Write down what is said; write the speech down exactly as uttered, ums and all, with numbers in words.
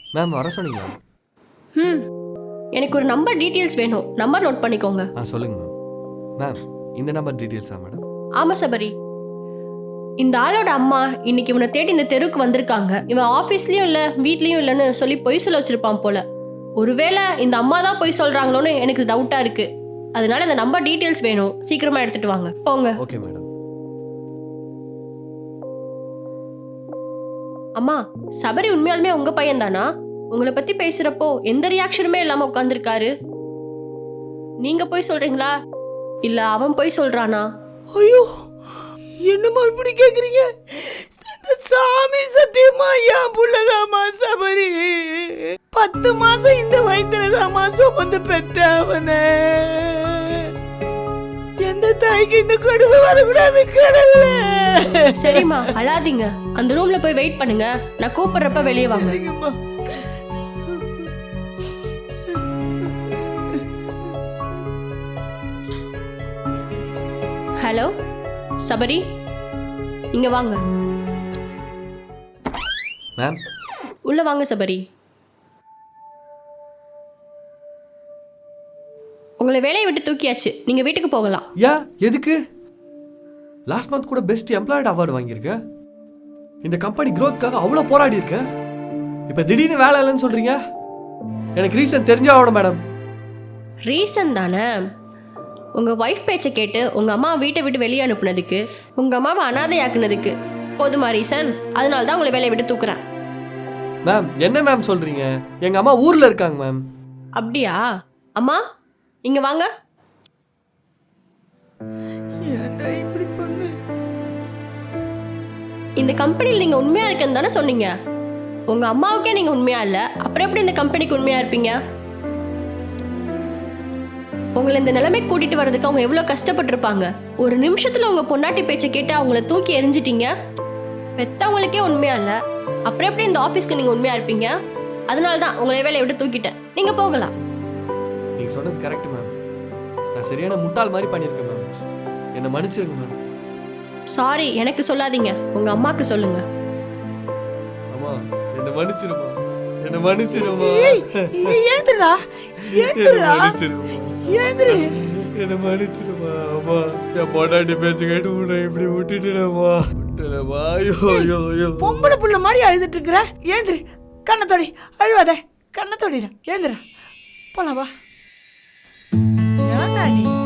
Ma'am வர சொன்னீங்க. ம் எனக்கு ஒரு நம்பர் டீட்டெயில்ஸ் வேணும். நம்பர் நோட் பண்ணிக்கோங்க. ஆ சொல்லுங்க மேம். மேம் இந்த நம்பர் டீட்டெயில்ஸா மேடம்? ஆமாம் சபரி. இந்த ஆளோட அம்மா இன்னைக்கு இவனை தேடி இந்த தெருவுக்கு வந்திருக்காங்க. இவன் ஆஃபீஸ்லேயும் இல்லை வீட்லேயும் இல்லைன்னு சொல்லி பொய் சொல்ல வச்சிருப்பான் போல. ஒருவேளை இந்த அம்மா தான் பொய் சொல்கிறாங்களோன்னு எனக்கு டவுட்டாக இருக்கு. அதனால இந்த நம்பர் டீட்டெயில்ஸ் வேணும். சீக்கிரமாக எடுத்துட்டு வாங்க. போங்க. Okay madam. அம்மா, சபரி உண்மையாலுமே உங்க பையன் தானா? உங்களை பத்தி பேசுறப்போ எந்த ரியாக்ஷனுமே இல்லாம உட்கார்ந்துருக்காரு. நீங்க போய் சொல்றீங்களா இல்ல அவன் போய் சொல்றானா? ஐயோ, என்னம்மா இப்படி கேக்குறீங்க? சாமி சத்தியமா என் புள்ளதாமா சபரி. பத்து மாசம் இந்த வயிற்றுலதாமா சுமந்து பெத்த அவனை. எந்த தாய்க்கு இந்த கொடுமை வரக்கூடாது கடவுள. சரிம்மா அழாதீங்க. அந்த ரூம்ல போய் வெயிட் பண்ணுங்க. நான் கூப்பிடுறப்ப வெளியே வாங்க. ஹலோ சபரி, இங்க வாங்க. மேம் உள்ள வாங்க சபரி. உங்களை வேலையை விட்டு தூக்கியாச்சு. நீங்க வீட்டுக்கு போகலாம். யா எதுக்கு? லாஸ்ட் மந்த் கூட பெஸ்ட் எம்ப்ளாய்டு அவார்டு வாங்கியிருக்க. இந்த கம்பெனி க்ரோத்காக அவ்வளோ போராடி இருக்க. இப்போ திடீர்னு வேலை இல்லைன்னு சொல்றீங்க. எனக்கு ரீசன் தெரிஞ்சாவோட மேடம். ரீசன் தானே? உங்க ஒய்ஃப் பேச்சை கேட்டு உங்க அம்மா வீட்டை விட்டு வெளியே அனுப்புனதுக்கு, உங்க அம்மாவை அனாதையாக்குனதுக்கு போதுமா ரீசன்? அதனால தான் உங்களை வேலையை விட்டு தூக்குறேன். மேம் என்ன மேம் சொல்றீங்க? எங்க அம்மா ஊர்ல இருக்காங்க மேம். அப்படியா? அம்மா இங்க வாங்க. இந்த கம்பெனியில் நீங்க உண்மையா இருக்குன்னு தானே சொன்னீங்க. உங்க அம்மாவுக்கே நீங்க உண்மையா இல்ல, அப்புறம் எப்படி இந்த கம்பெனிக்கு உண்மையா இருப்பீங்க? உங்களை இந்த நிலைமை கூட்டிட்டு வர்றதுக்கு அவங்க எவ்வளவு கஷ்டப்பட்டிருப்பாங்க. ஒரு நிமிஷத்துல உங்க பொண்டாட்டி பேச்சை கேட்டு அவங்கள தூக்கி எரிஞ்சிட்டீங்க. பெத்தவங்களுக்கே உண்மையா இல்ல, அப்புறம் எப்படி இந்த ஆபீஸ்க்கு நீங்க உண்மையா இருப்பீங்க? அதனால தான் உங்களை வேலையை விட்டு தூக்கிட்டேன். நீங்க போகலாம். நீங்க சொன்னது கரெக்ட் மேம். நான் சரியான முட்டாள் மாதிரி பண்ணியிருக்கேன் மேம். என்னை மன்னிச்சிருங்க மேம். சாரி எனக்கு சொல்லாதீங்க, உங்க அம்மாக்கு சொல்லுங்க. அம்மா என்னை மன்னிச்சிருமா. என்னை மன்னிச்சிருமா. ஏந்திரா ஏந்திரா ஏந்திரி. என்னை மன்னிச்சிருமா. அம்மா என் பொண்டாட்டி பேச்சு கேட்டு உன்னை இப்படி விட்டுட்டுடமா விட்டுடமா. ஐயோ ஐயோ ஐயோ. பொம்பளை புள்ள மாதிரி அழுதுட்டு இருக்கிற. ஏந்திரி, கண்ணத்தோடி அழுவாத. கண்ணத்தோடி ஏந்திரா, போலாம் வா. ஏன்டா நீ